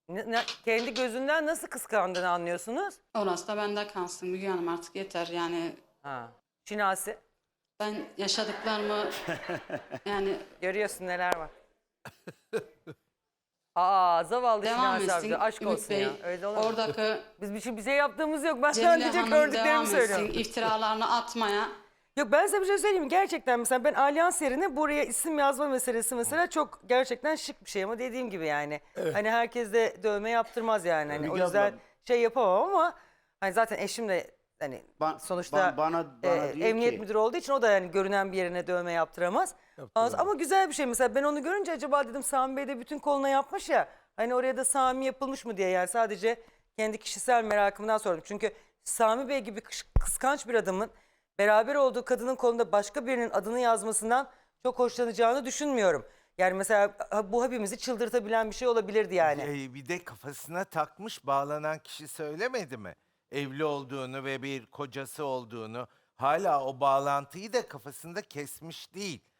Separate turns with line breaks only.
Kendi gözünden nasıl kıskandığını anlıyorsunuz?
Orası da bende kalsın Müge Hanım, artık yeter yani.
Ha. Şinasi,
Ben yaşadıklarımı yani
görüyorsun neler var. Aa, zavallı
devam
Şinasi
etsin
Avcı. Aşk
Ümit
olsun
Bey.
ya. Öyle olur mu?
Oradaki
Bize yaptığımız yok. Ben
Cemile
sadece
Hanım
gördüklerimi
devam
söylüyorum.
etsin iftiralarını atmaya.
Yok, ben size bir şey söyleyeyim mi? Gerçekten mesela ben Alyans yerine buraya isim yazma meselesi mesela çok gerçekten şık bir şey ama dediğim gibi yani. Hani herkes de dövme yaptırmaz yani. Hani o
Müge
yüzden
abla-
şey yapamam ama hani zaten eşim de hani sonuçta
bana diyor
emniyet
ki-
müdürü olduğu için o da yani görünen bir yerine dövme yaptıramaz. Ama güzel bir şey mesela ben onu görünce acaba dedim Sami Bey de bütün koluna yapmış ya. Hani oraya da Sami yapılmış mı diye yani sadece kendi kişisel merakımdan sordum. Çünkü Sami Bey gibi kıskanç bir adamın beraber olduğu kadının kolunda başka birinin adını yazmasından çok hoşlanacağını düşünmüyorum. Yani mesela bu hepimizi çıldırtabilen bir şey olabilirdi yani.
Bir de kafasına takmış, bağlanan kişi söylemedi mi? Evli olduğunu ve bir kocası olduğunu. Hala o bağlantıyı da kafasında kesmiş değil.